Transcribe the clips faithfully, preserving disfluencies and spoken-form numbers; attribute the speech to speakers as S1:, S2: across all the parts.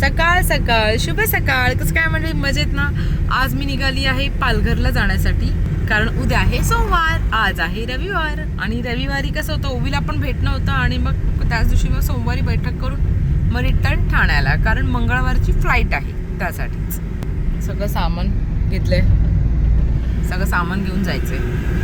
S1: सकाळ सकाळ शुभ सकाळ. कसं काय म्हणजे मजेत ना. आज मी निघाली आहे पालघरला जाण्यासाठी, कारण उद्या आहे सोमवार, आज आहे रविवार. आणि रविवारी कसं होतं, ओवीला पण भेटणं होतं आणि मग त्याच दिवशी मग सोमवारी बैठक करून मग रिटर्न ठाण्याला, कारण मंगळवारची फ्लाईट आहे. त्यासाठीच सगळं सामान घेतलंय, सगळं सामान घेऊन जायचंय.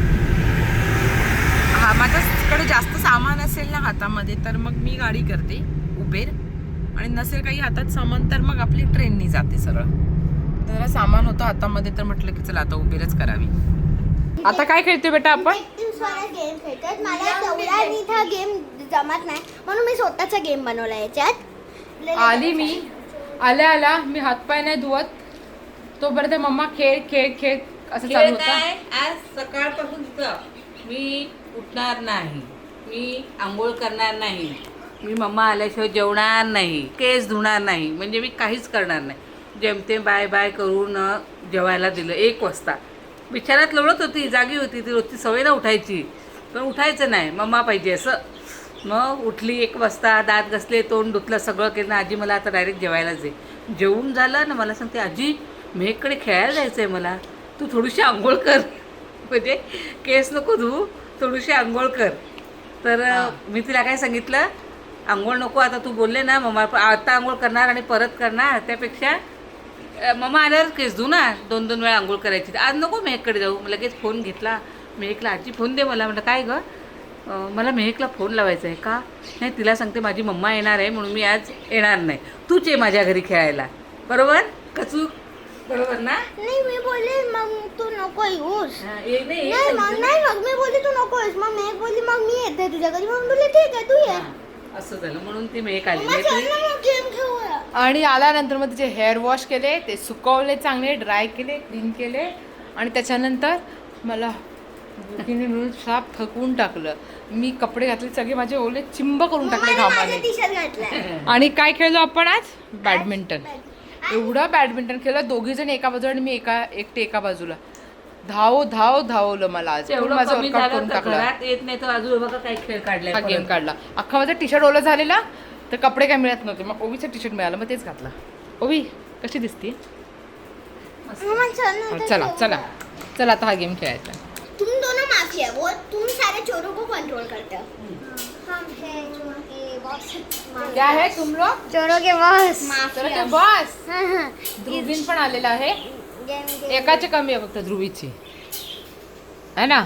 S1: हा माझ्याकडे जास्त सामान असेल ना हातामध्ये तर मग मी गाडी करते उबेर, आणि नसेल काही हातात सामान तर मग आपली ट्रेननी जाते सरळ. जरा सामान होतं हातामध्ये तर म्हटलं की चला आता उबेरच करावी. आता काय खेळतोय बेटा आपण?
S2: गेम खेळतात. मला तेवढा नीट गेम जमत नाही म्हणून मी स्वतःचा गेम बनवला याच्यात.
S1: आली मी आल्या आल्या मी हातपाय नाही धुवत तोपर्यंत मम्मा खेळ खेळ खेळ असं चालू होतं.
S3: आज सकाळपासून मी उठणार नाही, मी आंघोळ करणार नाही, मी मम्मा आल्याशिवाय जेवणार नाही, केस धुणार नाही, म्हणजे मी काहीच करणार नाही. जेमतेम बाय बाय करून जेवायला दिलं. एक वाजता बिछाण्यात लोळत होती, जागी होती, ती रोजची सवय ना उठायची, पण उठायचं नाही, मम्मा पाहिजे असं. मग उठली एक वाजता, दात घसले, तोंड धुतलं, सगळं केलं. आजी मला आता डायरेक्ट जेवायलाच आहे. जेवून झालं ना मला सांगते, आजी मेघकडे खेळायला जायचं आहे मला, तू थोडीशी आंघोळ कर, म्हणजे केस नको धू, थोडीशी आंघोळ कर. तर मी तिला काय सांगितलं, आंघोळ नको, आता तू बोलले ना मम्मा आता आंघोळ करणार आणि परत करणार, त्यापेक्षा मम्मा आल्यावर केस धू ना, दोन दोन वेळा आंघोळ करायची. आज नको मेहककडे जाऊ. लगेच फोन घेतला मेहकला, आजी फोन दे मला. म्हटलं काय गं, मला मेहकला फोन लावायचा आहे का? नाही, तिला सांगते माझी मम्मा येणार आहे म्हणून मी आज येणार नाही, तूच ये माझ्या घरी खेळायला. बरोबर कचू? बरोबर ना?
S2: नाही मी बोलले मग तू नको येऊस.
S3: नाही
S2: नाही मग नाही मग मी बोलली तू नको येऊस. मग मी बोलली मग मी येते तुझ्या घरी. मग बोलले ठीक आहे तू ये.
S3: असं झालं म्हणून ती मेहक आली.
S2: मग चल ना मग गेम खेळूया.
S1: आणि आल्यानंतर मग तिचे हेअर वॉश केले, ते सुकवले, चांगले ड्राय केले, क्लीन केले, आणि त्याच्यानंतर मला भुकीने मिळून साप थकवून टाकलं. मी कपडे घातले सगळे माझे ओले चिंब करून टाकले घामाने.
S2: टी शर्ट घातलाय.
S1: आणि काय खेळलो आपण आज? बॅडमिंटन. एवढं बॅडमिंटन खेळलं, दोघी जण एका बाजूला आणि मी एका एकटे एका बाजूला. धाव धाव धावलं मला आज.
S3: एवढं
S1: माझं
S3: कमी
S1: वर्कआउट
S3: झालं
S1: करून
S3: तर
S1: टाकलं.
S3: घरात येत नाही तर अजून बघा काही खेळ काढलाय.
S1: हा गेम काढला. अख्खा माझा टी शर्ट ओला झालेला, तर कपडे काय मिळत नव्हते. मग ओवीचं टी शर्ट मिळालं, मग तेच घातलं. ओवी कशी दिसते? चला चला चला आता हा गेम खेळायचा.
S2: तुम दोनों माफिया, वो तुम सारे चोरों को कंट्रोल करते हो. हम है चोरों के बॉस.
S1: क्या है तुम लोग?
S2: चोरों के बॉस.
S1: Mafia boss.
S2: हां हां.
S1: ध्रुवीन पण आलेला आहे.
S2: Game game.
S1: एकाचे कमी आहे फक्त ध्रुवीची, है ना?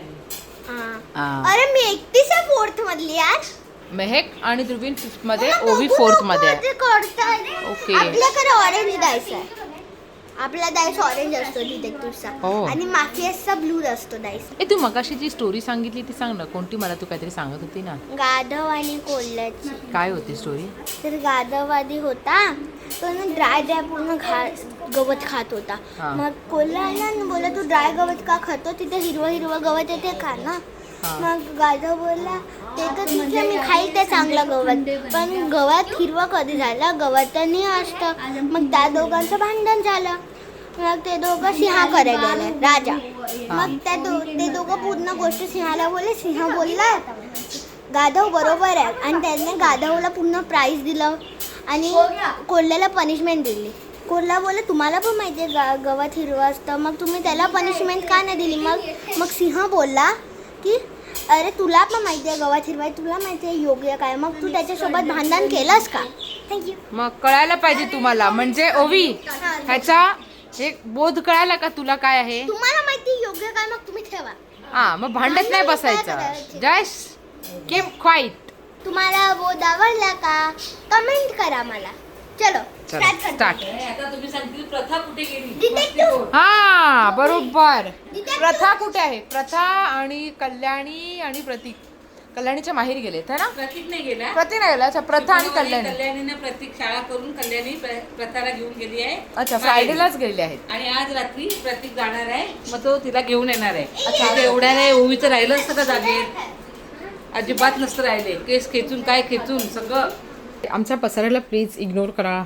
S2: हां. अरे मी एकटीच आहे फोर्थ मधली आज.
S1: मेहक आणि ध्रुवीन फिफ्थ मध्ये, ओवी फोर्थ मध्ये आहे. ओके.
S2: आपल्याकडे ऑरेंज डाइस आहे. आपला डाइस ऑरेंज असतो डिटेक्टिव्हचा,
S1: हो.
S2: आणि माफियाचा ब्लू असतो डाइस.
S1: ए तू मगाशी जी स्टोरी सांगितली ती सांग ना, कोणती? मला तू काहीतरी सांगत होती ना.
S2: गाधव आणि कोल्ह्याची.
S1: काय होती स्टोरी?
S2: तर गाधववादी होता तो ना ड्राय ड्राय पूर्ण घा गवत खात होता.
S1: हा.
S2: मग कोल्हा आला ना बोला तू ड्राय गवत का खातो, तिथे हिरवं हिरवं गवत येते खा ना.
S1: हा.
S2: मग गाधव बोलला ते तर ठीक आहे मी खाईल ते चांगलं गवत, पण गवत हिरवं कधी झालं, गवतानी असतं. मग त्या दोघांचं भांडण झालं. मग ते दोघं सिंहाकडे गेले, राजा. मग त्या दो ते दोघं पूर्ण गोष्ट सिंहाला बोलले. सिंह बोलला गाधव बरोबर आहे, आणि त्याने गाधवला पूर्ण प्राईज दिलं आणि कोल्ह्याला पनिशमेंट दिली. कोल्हा बोलला तुम्हाला पण माहिती आहे गा गवत हिरवं असतं, मग तुम्ही त्याला पनिशमेंट का नाही दिली? मग मग सिंह बोलला की अरे तुला पण माहिती आहे गवत हिरवा आहे, तुला माहिती आहे योग्य काय, मग तू त्याच्यासोबत भांडण केलंस का? थँक्यू.
S1: मग कळायला पाहिजे तुम्हाला, म्हणजे ओवी ह्याचा हे बोध कळायला का तुला काय आहे?
S2: तुम्हाला माहिती आहे योग्य काय, मग तुम्ही ठेवा.
S1: हा, मग भांडत नाही बसायचं. Just keep quiet.
S2: तुम्हाला बोध आवडला का? कमेंट करा मला. चलो
S1: चला स्टार्ट.
S3: आता तुम्ही सांगतील प्रथा कुठे गेली?
S2: डिटेक्टिव्ह.
S1: हा बरोबर. प्रथा कुठे आहे? प्रथा आणि कल्याणी आणि प्रतीक कल्याणीच्या माहेरी गेलेत है ना?
S3: प्रतीक नाही गेला.
S1: प्रतीक नाही गेला. अच्छा, प्रथा आणि कल्याणी.
S3: कल्याणीने प्रतीक शाळा करून कल्याणी प्र- प्रथाला घेऊन गेली आहे.
S1: अच्छा, फ्रायडेलाच गेलेले आहेत.
S3: आणि आज रात्री प्रतीक जाणार आहे, मग तो तिला घेऊन येणार आहे. अच्छा, एवढ्या नाही ओवीचं राहिलं असतं का जागेत? अजिबात नसतं राहिले. केस खेचून काय खेचून सगळं.
S1: आमच्या पसाऱ्याला प्लीज इग्नोर करा.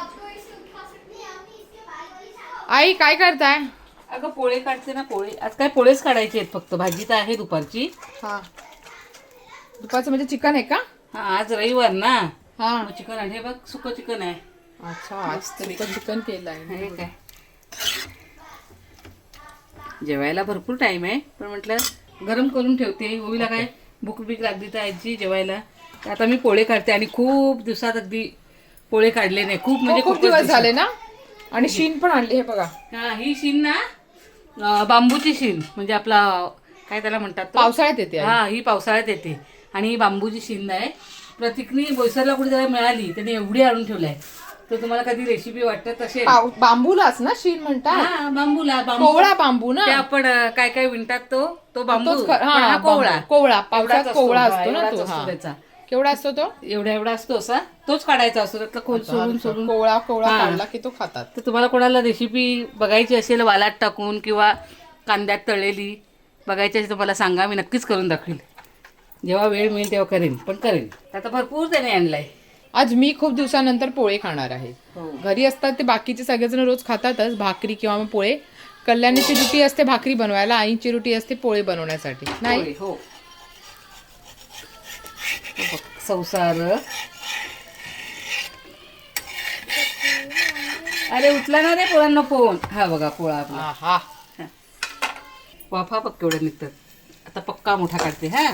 S1: आई काय करताय?
S3: अगं पोळे काढते ना, पोळे. आज काय पोळेच काढायचे आहेत फक्त, भाजी तर आहे दुपारची.
S1: हा, दुपारचं म्हणजे चिकन आहे का?
S3: हा, आज रविवार ना.
S1: हा,
S3: मग चिकन आहे बघ, सुकं चिकन आहे.
S1: अच्छा आज चिकन चिकन केलंय
S3: हे काय जेवायला भरपूर टाइम आहे, पण म्हटलं गरम करून ठेवते. ओवीला काय भूक बीक लागली तर आजी जेवायला. तर आता मी पोळे काढते आणि खूप दिवसात अगदी पोळे काढले नाही. खूप म्हणजे
S1: खूप
S3: खूपच
S1: दिवस झाले ना. आणि शीन पण आणली हे बघा.
S3: हा ही शीन ना अं, बांबूची शीन म्हणजे आपला काय त्याला म्हणतात तो?
S1: पावसाळ्यात येते आई.
S3: हा ही पावसाळ्यात येते आणि ही बांबूची शीन आहे. प्रतीकनी बोईसरला कुठे जरा मिळाली, त्याने एवढी आणून ठेवलाय. तर तुम्हाला कधी रेसिपी वाटत असेल
S1: पाव- बांबूलाच ना शीन म्हणतात.
S3: हा बांबूला बांबू
S1: कोवळा बांबू ना.
S3: ते आपण अं, काय काय विणतात तो तो बांबू
S1: तोच ख-
S3: पण
S1: हा,
S3: हा कोवळा
S1: बांबू. कोवळा
S3: एवढाच
S1: पावसाळ्यात
S3: असतो.
S1: कोवळा
S3: हा,
S1: असतो ना
S3: एवढाच
S1: तो.
S3: असतो
S1: हा.
S3: त्याचा.
S1: केवढा असतो तो?
S3: एवढा एवढा असतो असा तोच काढायचा असतो. त्यातला खोल सोडून सोडून
S1: कोवळा कोवळा
S3: हा.
S1: काढला की तो खातात.
S3: तर तुम्हाला कोणाला रेसिपी बघायची असेल वालात टाकून किंवा कांद्यात तळलेली बघायची असेल तर मला सांगा, मी नक्कीच करून दाखवेल. जेव्हा वेळ मिळेल तेव्हा करेन, पण करेन. आता भरपूर त्याने आणलाय.
S1: आज मी खूप दिवसानंतर पोळे खाणार आहे.
S3: हो.
S1: घरी असतात ते बाकीचे सगळेजण रोज खातातच भाकरी किंवा मग पोळे. कल्याणीची रुटी असते भाकरी बनवायला, आईची रुटी असते पोळे बनवण्यासाठी. नाही
S3: होय, हो बघ, संसार. अरे उचला ना रे पोळांना फोन. हा बघा पोळा आपला.
S1: हा.
S3: वाफा बघ केवढ्या निघतात. आता पक्का मोठा काढते. हा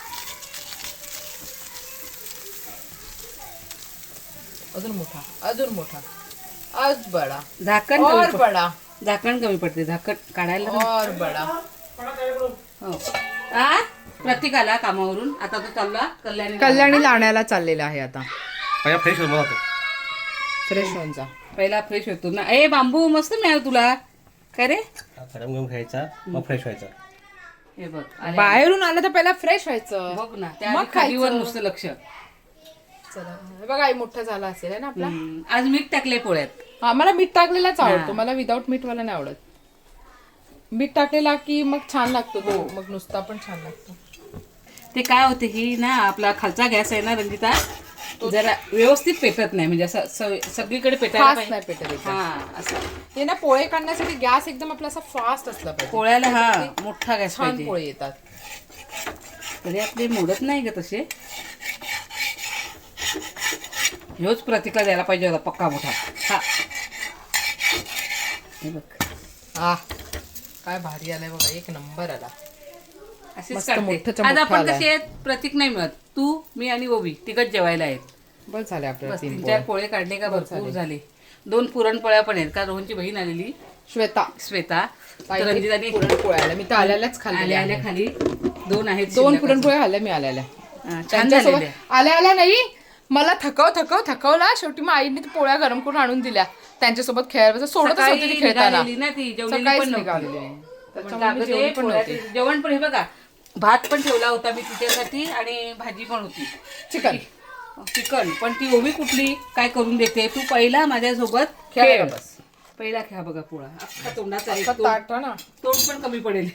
S1: अजून मोठा अजून मोठा आज बडा
S3: झाकण
S1: और
S3: कमी पड-
S1: बडा
S3: झाकण कमी पडते. झाकण काढायला ना.
S1: और बडा.
S3: हो आ प्रतीक आला कामावरून. आता तो चालला कल्याणी.
S1: कल्याणी लाण्याला चाललेला आहे आता.
S4: पहिला फ्रेश होतो मला तो.
S1: फ्रेश होऊन जा.
S3: पहिला फ्रेश होतो ना. ए बांबू मस्त मिळाला तुला. काय रे
S4: गरम गरम खायचा मग फ्रेश व्हायचा.
S3: हे बघ आले.
S1: बाहेरून आलं तर पहिला फ्रेश व्हायचं.
S3: बघ ना त्या
S1: मग
S3: आधी खालीवर
S1: खायचं.
S3: नुसतं लक्ष.
S1: चला हे बघा आई मोठा झाला असेल है ना आपला.
S3: हम्म, आज मीठ टाकले पोळ्यात.
S1: हा मला मीठ टाकलेलाच आवडतो.
S3: हा.
S1: मला विदाऊट मीठ वाला नाही आवडत. मीठ टाकलेला की मग छान लागतो तो. मग नुसता पण छान लागतो.
S3: ते काय होते ही ना आपला खालचा गॅस आहे ना रंजिता, जरा व्यवस्थित पेटत नाही. म्हणजे असं स- सगळीकडे पेटायला
S1: फास्ट
S3: पाहिजे.
S1: नाही पेटत एकदम.
S3: हा असं
S1: हे ना पोळे काढण्यासाठी गॅस एकदम आपला असा फास्ट असला पाहिजे.
S3: पोळ्याला हा मोठा गॅस
S1: छान
S3: पाहिजे.
S1: पोळे येतात.
S3: तरी आपले मोडत नाही ग तसे. ह्योच प्रतीकला द्यायला पाहिजे होता पक्का मोठा. हा हे बघ
S1: आ काय भारी आलाय बघा. एक नंबर आला.
S3: असेच
S1: मस्त
S3: काढते.
S1: मोठंच्या
S3: आज
S1: मोठं
S3: आपण
S1: आलाय.
S3: कसे आहेत प्रतीक नाही मिळत. तू मी आणि ओवी तिघच जेवायला आहेत.
S1: बस झाले आपल्याला
S3: बस
S1: तीन
S3: तीन
S1: पोळे.
S3: चार पोळे काढले का भरपूर
S1: झाले.
S3: झाले. दोन पुरणपोळ्या पण आहेत का रोहनची बहीण आलेली
S1: श्वेता
S3: श्वेता. तर
S1: ताईने
S3: रंजिताने
S1: पुरणपोळ्या आल्या. मी तर आल्यालाच खाल्लेल्या
S3: आल्या आल्या
S1: आहेत.
S3: खाली दोन आहेत
S1: दोन
S3: शिल्लक
S1: पुरणपोळ्या खाल्ल्या मी आल्या आल्या.
S3: अजून. हा, छान
S1: त्यांच्यासोबत
S3: झालेले.
S1: आल्या आल्या नाही मला थकव थकव थकवला. शेवटी मग आईने ते पोळ्या गरम करून आणून दिल्या. त्यांच्यासोबत खेळायला सोडतच
S3: सकाळी
S1: होती ती खेळताना.
S3: निघालेली ना ती जेवलेली
S1: सकाळीच
S3: पण नव्हती.
S1: निघालेली.
S3: म्हटलं
S1: त्याच्यामुळे मी
S3: अगं
S1: जेवली
S3: ते
S1: पण
S3: पोळ्या-
S1: नव्हती.
S3: जेवण पण हे बघा भात पण ठेवला होता मी तिच्यासाठी आणि भाजी पण होती
S1: चिकन
S3: चिकन. पण ती ओवी कुठली काय करून देते. तू पहिला माझ्यासोबत
S1: खेळायला
S3: खेळ.
S1: बस.
S3: पहिला खेळा बघा पोळा अख्खा तोंडाचा आहे.
S1: आता
S3: तोंड
S1: ताट ना
S3: तोंड पण कमी पडेल.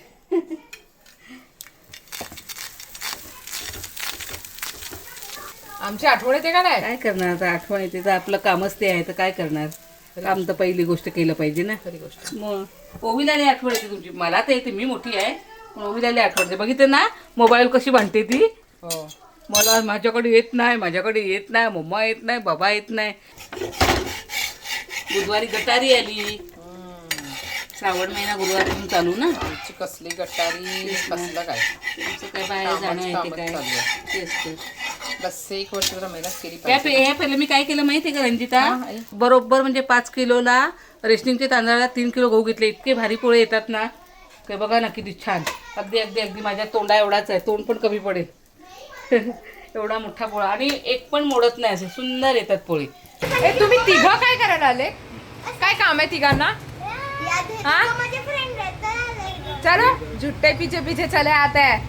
S1: आमची आठवण येते का नाही.
S3: काय करणार आता आठवण येते तर आपलं कामच ते आहे तर काय करणार. काम तर पहिली गोष्ट केलं पाहिजे ना.
S1: खरी गोष्ट.
S3: मग ओवीला लई आठवण येते तुमची. मला तर येते मी मोठी आहे पण ओवीला लई आठवण येते. बघितलं ना मोबाईल कशी भांडते ती.
S1: हो
S3: मला माझ्याकडे येत नाही माझ्याकडे येत नाही मम्मा येत नाही बाबा येत नाही. बुधवारी गटारी आली. श्रावण महिना गुरुवारपासून चालू ना.
S1: आमची कसली गटारी कसलं काय.
S3: तुमचं काय बाहेर जाणं येते काय
S1: कामच चालू
S3: तेच ते.
S1: बस एक वर्ष जरा मेहनत केली
S3: त्या
S1: पाहिजे.
S3: पे- हे पहिलं मी काय केलं माहिती आहे का रंजिता.
S1: हा, आई.
S3: बरोबर म्हणजे पाच किलोला रेशनिंगच्या तांदळाला तीन किलो गहू घेतले. इतके भारी पोळे येतात ना. काय बघा ना किती छान. अगदी अगदी अगदी माझ्या तोंडा एवढाच आहे. तोंड पण कमी पडेल. एवढा मोठा पोळा आणि एक पण मोडत नाही. असे सुंदर येतात पोळे.
S1: ए तुम्ही तिघं काय करायला आले. काय काम आहे तिघांना. हाँ?
S2: माझे फ्रेंड रहता
S1: चलो झुट्टे पीछे पीछे चले आते हैं.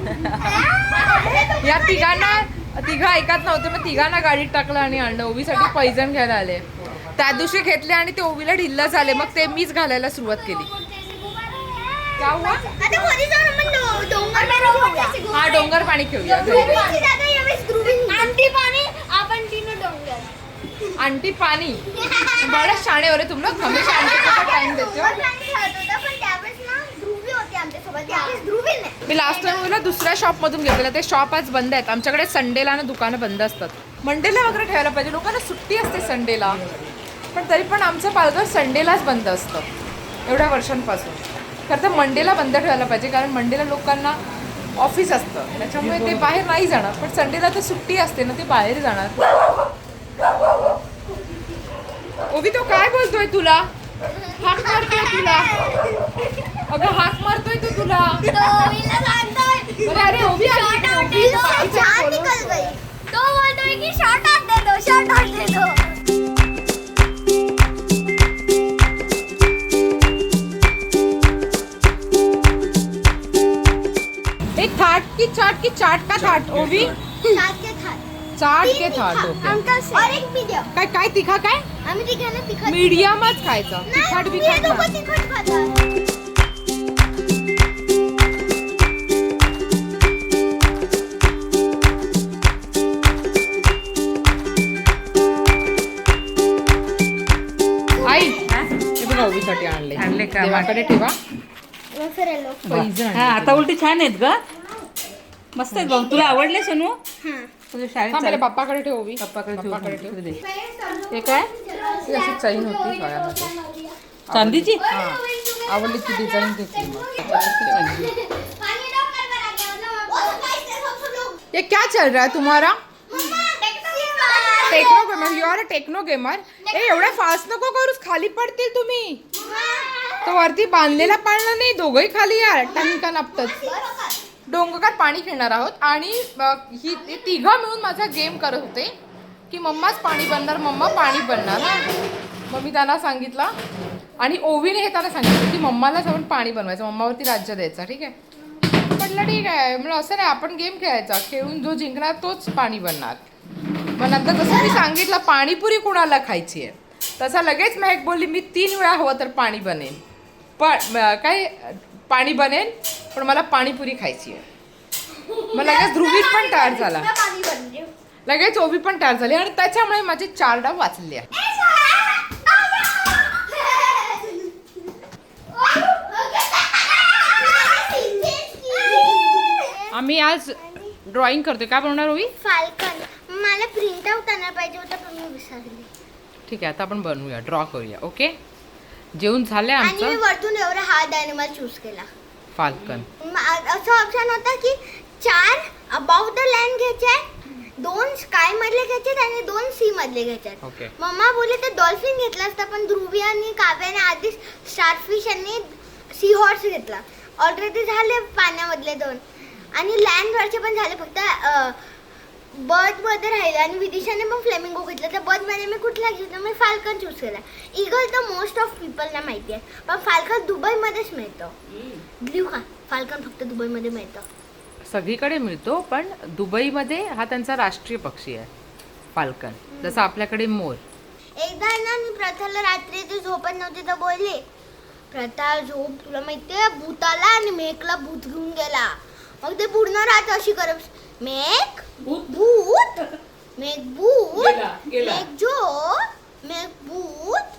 S1: या तिघांना तिघं ऐकत नव्हते मग तिघांना गाडीत टाकलं आणि आणलं. ओवीसाठी पैजण घ्यायला आले. त्या दिवशी घेतले आणि ते ओवीला ढिल्ल झाले. मग ते मीच घालायला सुरुवात केली. क्या हुआ?
S2: आता घरी जाऊन आपण डो- डोंगर पाणी घेऊया.
S1: हा डोंगर पाणी खेळूया घरी.
S2: डोंगरची जागा यावेळेस ध्रुवीन. आंटी पाणी आपण तिनं डोंगर.
S1: आंटी पानी बड़ा शाणे हो रहे तुम लोग. हमेशा आंटी को टाइम देते हो.
S2: डोंगर पाणी खेळत होता पण त्यावेळेस ना ध्रुवी होती आमच्यासोबत. यावेळेस ध्रुवीन नाही.
S1: मी लास्ट टाइम मला दुसऱ्या शॉप मधून घेतलेलं. ते शॉप आज बंद आहेत. आमच्याकडे संडेला ना दुकानं बंद असतात. मंडेला वगैरे ठेवायला पाहिजे. लोकांना सुट्टी असते संडेला. पण तरी पण आमचं पालघर संडेलाच बंद असतं एवढ्या वर्षांपासून. खरं तर मंडेला बंद ठेवायला पाहिजे, कारण मंडेला लोकांना ऑफिस असतं, त्याच्यामुळे ते बाहेर नाही जाणार. पण संडेला तर सुट्टी असते ना, ते बाहेर जाणार. ओवी तो काय बोलतोय तुला? हाक मारतोय तुला. अगं हाक मारतोय तो तुला. अरे अरे ओवी आली. ओवी
S2: छान निकल गई. तो बोलतोय की शॉट आत दे दो, शॉट आत दे दो.
S1: एक थाट की चाट की चाट का थाट ओवी.
S2: सात के थाट.
S1: चाट के थाट. ओके.
S2: और एक मीडियम.
S1: काय काय तिखा काय?
S2: आम्ही तिघांना तिखट.
S1: मीडियमच खायचं. तिखट
S2: नाही, हे
S1: बिखट
S2: दोघं
S1: नाही.
S2: तिखट खातात.
S1: आई हे बघा ओवीसाठी आणले.
S3: आणले का?
S1: देवाकडे ठेवा.
S2: मग फिरायलो.
S1: पैज
S3: हा आता उलटी छान आहेत ग, मस्त आहेत भाऊ. तुला आवडले सोनू?
S2: हां.
S3: तुझ्या शाळेत
S1: हा,
S3: चाल-
S1: पहिले पप्पाकडे ठेव ओवी.
S3: पप्पाकडे ठेव.
S1: पप्पाकडे ठेव.
S3: ठेव दे. हे काय?
S1: ही अशी चैन होती गळ्यामध्ये.
S3: चांदीची?
S1: हा. आवडली ती डिझाईन घेतली मग. ये क्या चल रहा है तुम्हारा? Techno gamer. You are a techno gamer. ए एवढा फास्ट नको करूस, खाली पडतील तुम्ही. तो वरती बांधलेला पाळणं नाही, दोघंही खाली यार टणका नापतच. डोंगरकार पाणी खेळणार आहोत आणि अ, ही हे तिघं मिळून माझा गेम करत होते की मम्माच पाणी बनणार, मम्मा पाणी बनणार ना. मग मी त्यांना सांगितलं आणि ओवीने हे त्यांना सांगितलं की मम्माला जाऊन पाणी बनवायचं, मम्मावरती राज्य द्यायचं. ठीक आहे म्हटलं ठीक आहे. म्हणलं असं नाही, आपण गेम खेळायचा, खेळून जो जिंकणार तोच पाणी बनणार. मग नंतर जसं मी सांगितलं पाणीपुरी कुणाला खायची आहे, तसा लगेच महक बोलली मी तीन वेळा हवं तर पाणी बनेन, पण म, काय पाणी बनेन पण मला पाणीपुरी खायची आहे. मग लगेच ध्रुवीत पण तयार झाला, लगेच ओवी पण तयार झाली आणि त्याच्यामुळे माझे चार डाव वाचले आहे. आम्ही आज ड्रॉइंग करतोय. काय बनवणार ओवी?
S2: फाल्कन. मला प्रिंट आउट आणायला पाहिजे होतं पण मी विसरले.
S1: ठीक आहे आता आपण बनवूया, ड्रॉ करूया. ओके जेवण झालंय
S2: आणि मी
S1: आमचं.
S2: वरतून एवढा हार्ड ॲनिमल चूज केला.
S1: फाल्कन.
S2: म- असं ऑप्शन होता की चार अबाउट द लँड घ्यायचे, दोन स्काय मधले घ्यायचे आणि दोन सी मधले घ्यायचे.
S1: ओके.
S2: मम्मा बोलले तर डॉल्फिन घेतला असता, पण ध्रुवी आणि काव्याने आधीच स्टारफिश आणि सी हॉर्स घेतला. ऑलरेडी झाले पाण्यामधले दोन आणि लँडवरचे पण झाले, फक्त बर्ड मध्ये राहिले. आणि विदिशाने पण फ्लेमिंगो घेतला, तर बर्ड मध्ये मी कुठला घेतला, मी फाल्कन चूज केला. इगल तर मोस्ट ऑफ पीपलला माहिती आहे, पण फाल्कन दुबईमध्येच मिळतं. घेऊ का? फाल्कन फक्त दुबईमध्ये मिळतं.
S1: सगळीकडे मिळतो पण दुबईमध्ये हा त्यांचा राष्ट्रीय पक्षी आहे फाल्कन, जसं आपल्याकडे मोर.
S2: एकदा ना मी प्रथाला रात्री ती झोपत नव्हती तर बोलली, प्रथा झोप, तुला माहितीये भूताला आणि मेघला भूत घेऊन गेला. मग ते पूर्ण रात अशी करत, मेघ भूत, मेघ भूत, मेघ झोप, मेघ भूत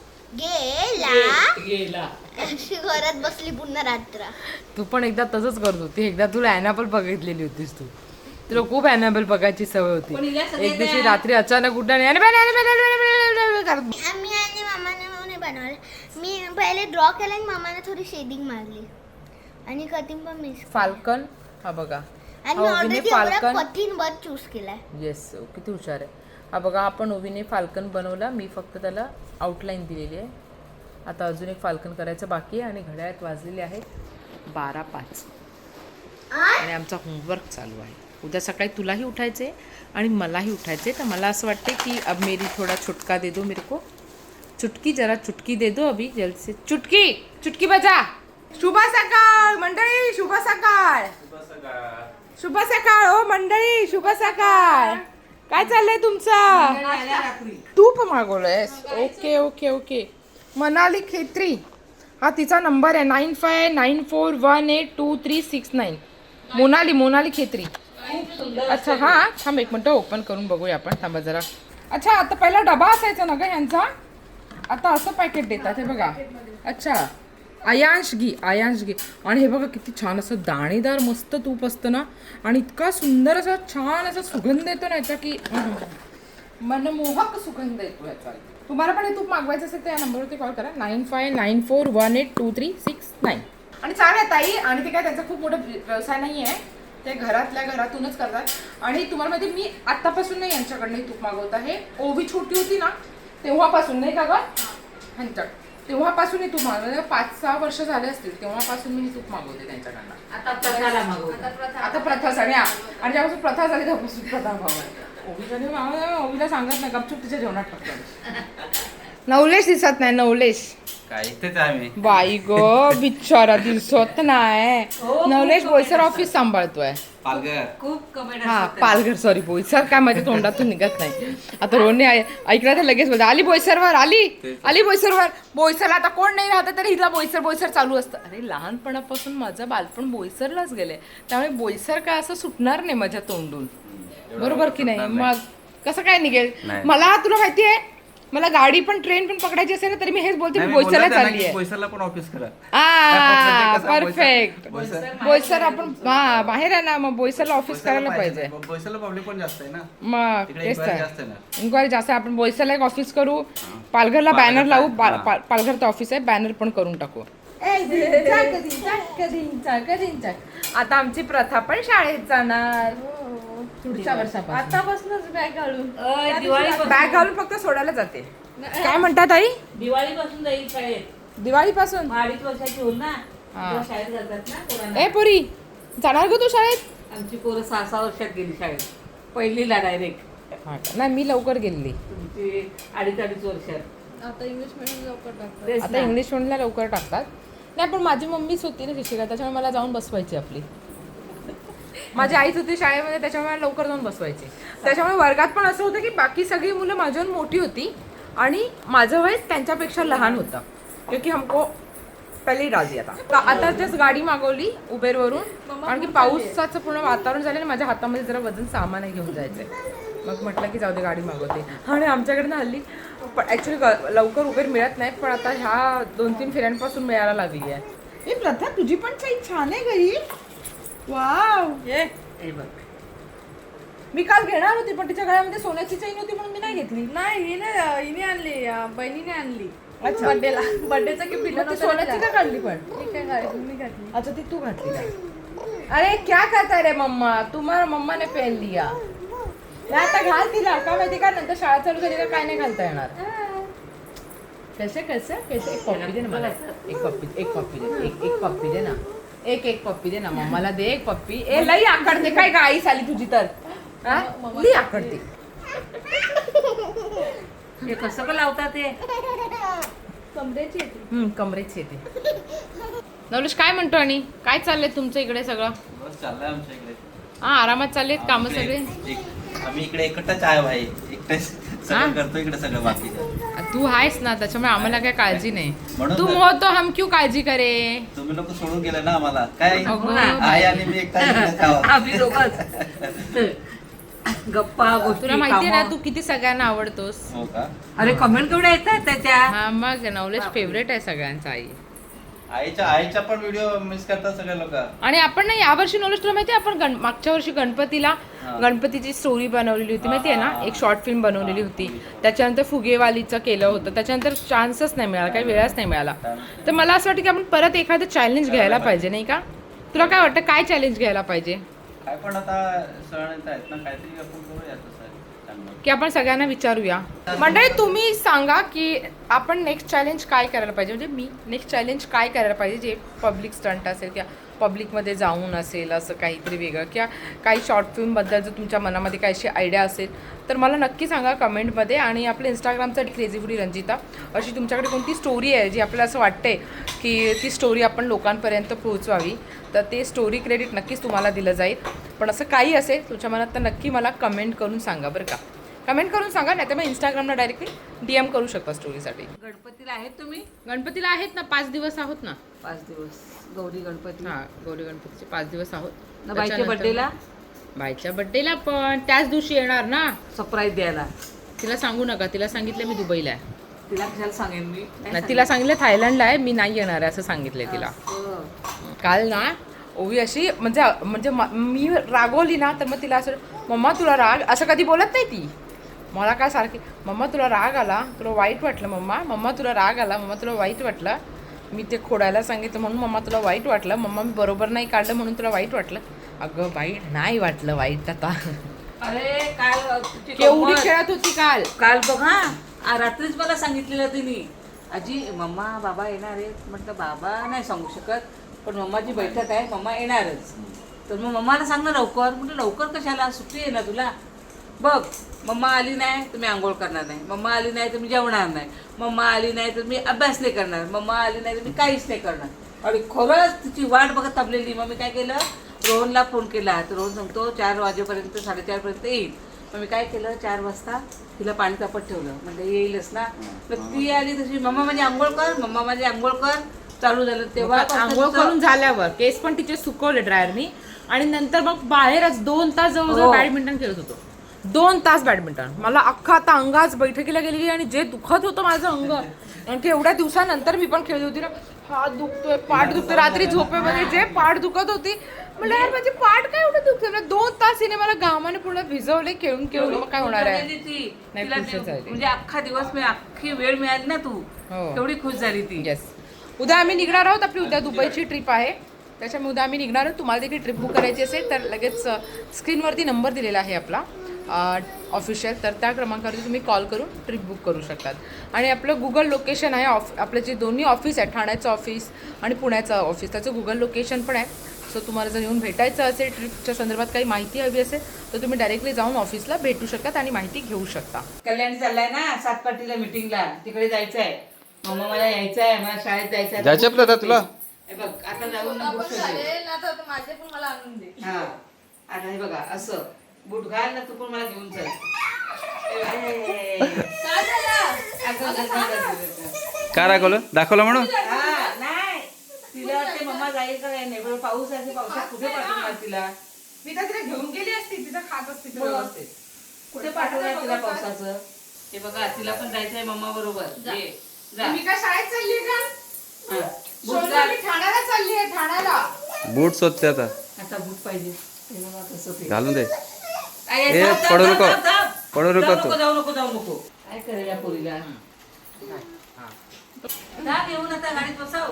S2: गेला, अशी करत बसली पूर्ण रात्र.
S1: तू पण एकदा तसंच करत होती. एकदा तुला ॲनाबल बघितलेली होतीस तू, तुला खूप ॲनाबल बघायची सवय होती.
S3: पण हिला सगळे
S1: एक दिवशी
S3: त्या-
S1: रात्री अचानक उठल्याने "Annabelle, Annabelle, Annabelle, Annabelle" करत.
S2: आम्ही आणि मामाने मिळून बनवलं. मी पहिले ड्रॉ केला आणि मामाने थोडी शेडिंग मारली आणि कटिंग पण मिस.
S1: फाल्कन हा बघा,
S2: आणि
S1: हा ओवीने
S2: ऑलरेडी एवढा
S1: फाल्कन.
S2: कठीण बर्ड चूज केलाय.
S1: येस किती हुशार आहे. हा बघा आपण ओवीने फाल्कन बनवला, मी फक्त त्याला आउटलाईन दिलेली आहे. आता अजून एक फाल्कन करायचं बाकी आहे आणि घड्याळात वाजलेले आहेत बारा पाच आणि आमचा होमवर्क चालू आहे. उद्या सकाळी तुलाही उठायचे आणि मलाही उठायचे. तर मला असं वाटते की अब मेरी थोडा छुटका दे दो मेरे को, चुटकी जरा चुटकी दे दो अभी जल्द से. चुटकी चुटकी बजा. शुभ सकाळ मंडळी, शुभ सकाळ, शुभ सकाळ हो मंडळी, शुभ सकाळ. काय चाललंय तुमचं? तूप मागवलंयस? Okay okay okay. Manali Khetri हा तिचा नंबर आहे, nine five nine four one eight two three six nine. Monali Monali Khetri. अच्छा हां थांब एक मिनटं ओपन करून बघूया आपण, थांबा जरा. अच्छा आता पहिला डबा असायचा ना ग ह्यांचा, आता असं पॅकेट देतात हे बघा. अच्छा आयांश घी, आयांश घी. आणि हे बघा किती छान असं दाणेदार मस्त तूप असतं ना, आणि इतका सुंदर असा छान असा सुगंध येतो ना याचा की मनमोहक सुगंध येतो याचा. तुम्हाला पण हे तूप मागवायचं असेल तर या नंबरवरती कॉल करा nine five nine four one eight two three six nine. आणि छान आहे ताई, आणि ते काय त्यांचा खूप मोठा व्यवसाय नाही आहे, ते घरातल्या घरातूनच करतात. आणि तुम्हाला माहिती मी आत्तापासून नाही यांच्याकडनं तूप मागवत आहे. ओवी छोटी होती ना तेव्हापासून, नाही का ग ह्यांच्या तेव्हापासून हे तूप मागवलं, पाच सहा वर्ष झाले असतील तेव्हापासून मी हे तूप मागवते त्यांच्याकडनं.
S3: आता प्रथाला मागवू.
S1: आता प्रथा झाली आणि ज्यापासून प्रथा झाली तेव्हापासून प्रथा भाव ओवीला ओवीला सांगत नाही गपचूप तिच्या जेवणात टाकतो. नवलेश दिसत नाही, नवलेश
S4: काय इथेच आहे मी.
S1: बाई ग बिचारा दिसत नाही. नवलेश बोईसर ऑफिस सांभाळतोय.
S4: पालघर.
S3: खूप कमेंट
S1: हा पालघर, सॉरी बोईसर काय माझ्या तोंडातून निघत नाही. आता रोडने ऐकलं तर लगेच बोलतो आली बोईसरवर, आली आली बोईसरवर. बोईसरला आता कोण नाही राहत तरी हिला बोईसर बोईसर चालू असतं. अरे लहानपणापासून माझं बालपण बोईसरलाच गेलंय, त्यामुळे बोईसर काय असं सुटणार नाही माझ्या तोंडून, बरोबर की नाही. मग कसं काय निघेल. मला तुला माहिती आहे, मला गाडी पण ट्रेन पण पकडायची असेल ना तरी मी हेच बोलते मी बोईसरला चालली आहे.
S4: बोईसरला पण ऑफिस करा.
S1: हा परफेक्ट. बोईसर आपण हा बाहेर आहे ना, मग बोईसरला ऑफिस करायला पाहिजे.
S4: बोईसरला पब्लिक पण जास्त आहे ना,
S1: मग
S4: तिकडे
S1: तेच
S4: inquiry
S1: तर
S4: जास्त आहे ना.
S1: इन्क्वायरी जास्त आहे. आपण बोईसरला एक ऑफिस करू, पालघरला बॅनर लावू.
S4: हा.
S1: पालघरचं ऑफिस आहे, बॅनर पण करून टाकू. आता आमची प्रथा पण शाळेत जाणार पुढच्या वर्षापासून.
S5: आतापासूनच बॅग घालून
S3: दिवाळी
S1: बॅग घालून फक्त सोडायला जाते. काय म्हणतात आई?
S3: दिवाळी पासून जाईल शाळेत.
S1: दिवाळीपासून
S3: अडीच वर्षाची होईल ना
S1: हा.
S3: तेव्हा शाळेत जातात ना पोरांना.
S1: ए पोरी जाणार ग तू शाळेत?
S3: आमची पोरं सहा सहा वर्षात गेली शाळेत, पहिलीला डायरेक्ट.
S1: नाही मी लवकर गेलेली.
S3: तुमची अडीच अडीच वर्षात.
S5: आता इंग्लिश मिडियम लवकर टाकतात.
S3: तेच
S1: आता
S3: ना.
S1: इंग्लिश मीडियमला लवकर टाकतात. नाही पण माझी मम्मीच होती ना शिक्षिका, त्याच्यामुळे मला जाऊन बसवायची आपली. माझी आईच होती शाळेमध्ये, त्याच्यामुळे मला लवकर जाऊन बसवायची. त्याच्यामुळे वर्गात पण असं होतं की बाकी सगळी मुलं माझ्याहून मोठी होती आणि माझं वय त्यांच्यापेक्षा लहान होतं, क्योंकि हमको पहिली राजी. आता आता जस्ट गाडी मागवली उबेरवरून, कारण की पावसाचं पूर्ण वातावरण झालं आणि माझ्या हातामध्ये जरा वजन सामान घेऊन जायचंय. मग म्हटलं की जाऊ दे गाडी मागवते. आणि आमच्याकडनं हल्ली पण ॲक्च्युली लवकर उबेर मिळत नाही, पण आता ह्या दोन तीन फेऱ्यांपासून मिळायला लागली आहे. ही प्रथा तुझी पण चैन छान आहे घरी. वाव
S3: ये हे बघ,
S1: मी काल घेणार होती पण तिच्या गळ्यामध्ये सोन्याची चैन होती म्हणून मी नाही घेतली.
S5: नाही हिने हिने आणली अं, बहिणीने आणली
S1: अच्छा.
S5: बर्थडेला. बर्थडेचा गिफ्ट दिला
S1: मग ती सोन्याची का काढली पण?
S5: मी काय घातली मी घातली.
S1: अच्छा ती तू घातली का? अरे क्या कहता रे मम्मा, तुम्हाला मम्मा ने पहन लिया. नाही आता घाल तिला, का माहिती का नंतर शाळा चालू झाली का काय नाही घालता येणार. कैसे कैसे कैसे एक पप्पी दे ना मला, एक पप्पी एक पप्पी दे, एक एक पप्पी दे ना, एक एक पप्पी दे ना मम्माला दे एक पप्पी. ए लई आकडते काय गाईस आली तुझी तर, हा? लई आकडते.
S3: हे कसं का लावतात ते?
S5: कमरेची येते.
S1: हम्म कमरेची येते. नवलेश काय म्हणतो आणि काय चाललंय तुमचं इकडे सगळं?
S4: बस चाललंय आमच्या इकडे.
S1: हा आरामात चाललेत कामं
S4: इकडे
S1: सगळे.
S4: एक- आम्ही इकडे एकटाच आहे भाई, एकटेच
S1: हा?
S4: सगळं करतो इकडे सगळं बाकीचं.
S1: तू आहेस ना त्याच्यामुळे आम्हाला काय काळजी नाही.
S4: म्हणून
S1: तुम
S4: तर-
S1: हो तो हम क्यों काळजी करे.
S4: तुम्ही लोक सोडून गेले ना आम्हाला, काय
S1: अगं
S4: आई आणि मी एकटा इकडेच आहोत.
S3: आम्ही दोघंच गप्पा गोष्टी
S1: तुला माहितीये ना
S3: कामं.
S1: तू किती सगळ्यांना आवडतोस.
S4: हो का?
S3: अरे कमेंट केवढ्या येतात त्याच्या.
S1: हा मग नवलेश फेवरेट आहे सगळ्यांचा. आई
S4: आईच्या आईच्या पण व्हिडिओ मिस करतात सगळे लोक.
S1: आणि आपण ना यावर्षी नवलेश तुला माहितीये आपण गण मागच्या वर्षी गणपतीला
S4: हा.
S1: गणपतीची स्टोरी बनवलेली होती माहितीये ना,
S4: हा.
S1: एक शॉर्ट फिल्म बनवलेली होती. त्याच्यानंतर फुगेवालीचं केलं होतं, त्याच्यानंतर चान्सच नाही मिळाला, काही वेळच नाही मिळाला. तर मला असं वाटतं की आपण परत एखादं चॅलेंज घ्यायला पाहिजे नाही का. तुला काय वाटतं काय चॅलेंज घ्यायला पाहिजे?
S4: काय पण आता सण येत आहेत ना, काहीतरी आपण करूया तसं चांगलं.
S1: की आपण सगळ्यांना विचारूया. मंडळी तुम्ही सांगा की आपण नेक्स्ट चॅलेंज काय करायला पाहिजे, म्हणजे मी नेक्स्ट चॅलेंज काय करायला पाहिजे जे पब्लिक स्टंट असेल किंवा पब्लिकमध्ये जाऊन असेल असं काहीतरी वेगळं, किंवा काही शॉर्ट फिल्मबद्दल जर तुमच्या मनामध्ये काही अशी आयडिया असेल तर मला नक्की सांगा कमेंटमध्ये. आणि आपलं इंस्टाग्रामचं क्रेझी फूडी रंजिता अशी तुमच्याकडे कोणती स्टोरी आहे जी आपल्याला असं वाटते की ती स्टोरी आपण लोकांपर्यंत पोहोचवावी, तर ते स्टोरी क्रेडिट नक्कीच तुम्हाला दिलं जाईल. पण असं काही असेल तुमच्या मनात तर नक्की मला कमेंट करून सांगा बरं का. कमेंट करून सांगा, नाही तर मग इंस्टाग्रामला डायरेक्टली डी एम करू शकता स्टोरीसाठी.
S3: गणपतीला आहेत तुम्ही?
S1: गणपतीला आहेत ना, पाच दिवस आहोत ना.
S3: पाच दिवस गौरी गणपती.
S1: हां गौरी गणपतीचे पाच दिवस आहोत.
S3: ना बाईच्या
S1: त्याच्यानंतर-
S3: बर्थडेला
S1: बाईच्या बड्डेला पण त्याच दिवशी येणार ना.
S3: सरप्राईज द्यायला.
S1: तिला सांगू नका, तिला सांगितलं मी दुबईला आहे.
S3: तिला कशाला सांगेन मी?
S1: नाही तिला सांगितलं थायलंडला आहे, मी नाही येणार आहे असं सांगितलंय तिला.
S3: असं.
S1: काल ना ओवी अशी म्हणजे म्हणजे म- मी रागवली ना तर मग तिला असं मम्मा तुला राग असं कधी बोलत नाही ती, मला काय सारखी मम्मा तुला राग आला, तुला वाईट वाटलं मम्मा, मम्मा तुला राग आला, मम्मा तुला वाईट वाटलं, मी ते खोडायला सांगितलं म्हणून मम्मा तुला वाईट वाटलं, मम्मा मी बरोबर नाही काढलं म्हणून तुला वाईट वाटलं. अगं बाई नाही वाटलं वाईट आता.
S3: अरे काल तुझी
S1: केवढी
S3: गंमत.
S1: खेळत होती काल.
S3: काल बघ हा आ, रात्रीच मला सांगितलेलं तिने, आजी मम्मा बाबा येणार आहेत. म्हटलं बाबा नाही सांगू शकत, पण मम्माची बैठक आहे, मम्मा येणारच. तर मग मम्माला सांग ना लवकर. म्हटलं लवकर कशाला, सुट्टी आहे ना तुला. बघ मम्मा आली नाही तर मी आंघोळ करणार नाही, मम्मा आली नाही तर मी जेवणार नाही, मम्मा आली नाही तर मी अभ्यास नाही करणार, मम्मा आली नाही तर मी काहीच नाही करणार. आणि खरंच तिची वाट बघत थांबलेली. मग मी काय केलं, रोहनला फोन केला. तर रोहन सांगतो चार वाजेपर्यंत साडेचारपर्यंत येईल. मग मी काय केलं, चार वाजता तिला पाणी तापत ठेवलं, म्हणजे येईलच ना. तर ती आली तशी, मम्मा माझी आंघोळ कर, मम्मा माझी आंघोळ कर चालू झालं. तेव्हा
S1: आंघोळ करून झाल्यावर केस पण तिचे सुकवले ड्रायरनी आणि नंतर मग बाहेरच दोन तास जवळजवळ
S3: हो.
S1: बॅडमिंटन खेळत होतो. दोन तास बॅडमिंटन. मला अख्खा आता अंगाच बैठकीला गेलेली आणि जे दुखत होतं माझं अंग, कारण की एवढ्या दिवसानंतर मी पण खेळत होती ना. हात दुखतोय, पाठ दुखतोय, रात्री झोपेमध्ये जे पाठ दुखत होती, म्हणलं यार माझी पाठ काय एवढं दुखते. म्हणजे दोन तास हिने मला घामाने पूर्ण भिजवले खेळून खेळून. मग काय होणार आहे.
S3: गेली ती.
S1: नाही,
S3: तिला
S1: खुशच झाली.
S3: म्हणजे अख्खा दिवस मी अख्खी वेळ मिळाली ना तू,
S1: हो.
S3: तेवढी खुश झाली ती.
S1: येस. उद्या आम्ही निघणार आहोत. आपली उद्या दुबईची ट्रिप आहे, त्याच्यामुळे उद्या आम्ही निघणार आहोत. तुम्हाला देखील ट्रिप बुक करायची असेल तर लगेच स्क्रीनवरती नंबर दिलेला आहे आपला ऑफिशियल, तर त्या क्रमांकावरती तुम्ही कॉल करून ट्रिप बुक करू शकतात. आणि आपलं गुगल लोकेशन आहे. ऑफ आपलं जे दोन्ही ऑफिस आहे, ठाण्याचं ऑफिस आणि पुण्याचं ऑफिस, त्याचं गुगल लोकेशन पण आहे. सो तुम्हाला जर येऊन भेटायचं असेल, ट्रिपच्या संदर्भात काही माहिती हवी असेल तर तुम्ही डायरेक्टली जाऊन ऑफिसला भेटू शकतात आणि माहिती घेऊ शकता.
S3: कल्याण चाललाय ना सातपाटीला मीटिंगला, तिकडे जायचं आहे. मम्मा मला यायचं आहे, मला शाळेत जायचं आहे.
S4: जायचं आपलं आता तुला?
S3: हे बघ आता जाऊन ना बूट शोधेल.
S5: माझे पण मला आणून दे.
S3: हा आता हे बघा असं बूट घाल ना, तू पण मला घेऊन चल. ए,
S5: काय झालं?
S3: अगं, अगं, अगं, अगं, अगं.
S4: काय दाखवलं दाखवलं म्हणून
S3: हा, नाही तिला वाटते मम्मा जाईल का नाही, बरं पाऊस आहे, पावसात कुठे पाठवणार तिला.
S1: मी तर तिला घेऊन गेली असती, तिथं खात असती
S3: मग. कुठे पाठवणार तिला पावसाचं. हे बघा तिला पण जायचंय मम्मा बरोबर. ये, जा.
S1: मी काय शाळेत चालली का?
S3: हा. बूट घाल.
S1: मी ठाण्याला चालली आहे, ठाण्याला.
S4: बूट शोधते आता,
S3: आता बूट पाहिजे. हे बघा कसं ते.
S4: घालून दे.
S3: आई,
S4: ए,
S3: जाऊ, जाऊ,
S4: पडू
S3: जाऊ,
S4: नको.
S3: जाऊ, जाऊ.
S4: पडू नको
S3: जाऊ
S4: तू.
S3: नको, जाऊ नको जाऊ नको. काय करेल या पोरीला. जा घेऊन आता गाडीत बसव.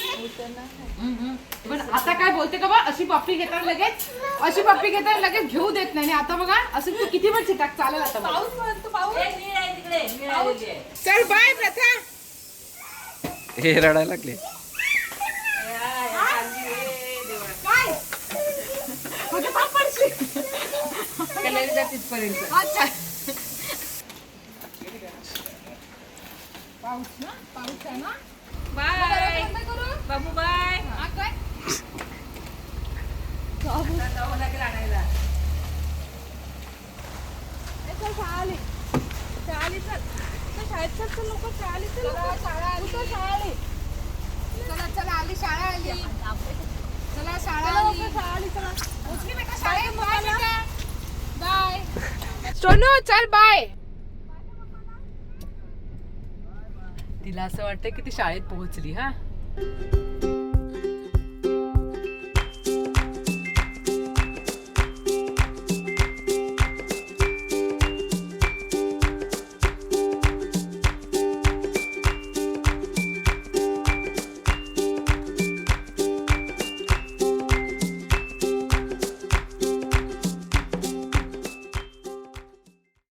S1: पण आता काय बोलते का बा, अशी पप्पी घेतात लगेच, अशी पप्पी घेतात लगेच घेऊ देत नाही. आणि आता बघा असं तू किती पण चिटाक चालेल आता बघा.
S5: पाऊस म्हणतो पाऊस.
S3: ए, नीळ आहे तिकडे, नीळ आलेली आहे.
S1: चल बाय प्रथा.
S4: हे रडायला लागले.
S3: या, या, चालली रे देवा.
S1: काय म्हणजे पाप पडशील.
S3: कल्याणी जा तिथपर्यंत.
S1: अच्छा. पाऊस ना, पाऊस आहे ना.
S3: बाय बाबू, बाय.
S1: हा काय
S3: आता जावं लागेल आणायला.
S5: शाळाली शाळाली चल तर शाळेत चल तर लोक शाळाली चल शाळा आली शाळा आली
S1: चला चला आली शाळा आली. चला शाळा
S5: चला
S1: आली.
S5: लवकर शाळा आली चला
S1: उचली बेटा शाळेत. बाय बेटा. बाय सोनू, चल बाय. तिला असं वाटतं की ती शाळेत पोहोचली. हा